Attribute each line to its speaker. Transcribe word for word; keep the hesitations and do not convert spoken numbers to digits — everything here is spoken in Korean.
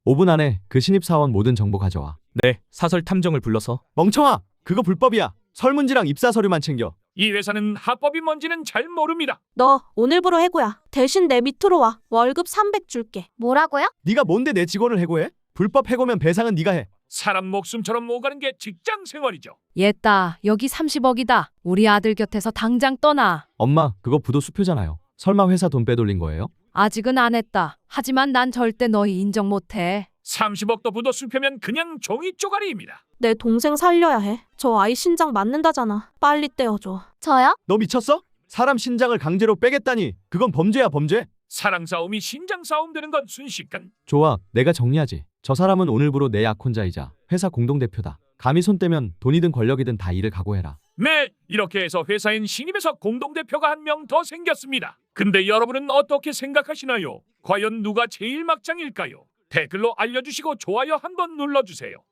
Speaker 1: 오 분 안에 그 신입사원 모든 정보 가져와.
Speaker 2: 네, 사설 탐정을 불러서.
Speaker 1: 멍청아! 그거 불법이야. 설문지랑 입사 서류만 챙겨.
Speaker 3: 이 회사는 합법이 뭔지는 잘 모릅니다.
Speaker 4: 너 오늘부로 해고야. 대신 내 밑으로 와. 월급 삼백 줄게.
Speaker 5: 뭐라고요?
Speaker 1: 네가 뭔데 내 직원을 해고해? 불법 해고면 배상은 네가 해.
Speaker 3: 사람 목숨처럼 오가는 게 직장 생활이죠.
Speaker 6: 얘따, 여기 삼십억이다. 우리 아들 곁에서 당장 떠나.
Speaker 1: 엄마, 그거 부도 수표잖아요. 설마 회사 돈 빼돌린 거예요?
Speaker 6: 아직은 안 했다. 하지만 난 절대 너희 인정 못해.
Speaker 3: 삼십억도 부도 수표면 그냥 종이 쪼가리입니다.
Speaker 4: 내 동생 살려야 해. 저 아이 신장 맞는다잖아. 빨리 떼어줘.
Speaker 5: 저요?
Speaker 1: 너 미쳤어? 사람 신장을 강제로 빼겠다니. 그건 범죄야, 범죄.
Speaker 3: 사랑 싸움이 신장 싸움 되는 건 순식간.
Speaker 1: 좋아, 내가 정리하지. 저 사람은 오늘부로 내 약혼자이자 회사 공동대표다. 감히 손 떼면 돈이든 권력이든 다 이를 각오해라.
Speaker 3: 네, 이렇게 해서 회사엔 신입에서 공동대표가 한 명 더 생겼습니다. 근데 여러분은 어떻게 생각하시나요? 과연 누가 제일 막장일까요? 댓글로 알려주시고 좋아요 한번 눌러주세요.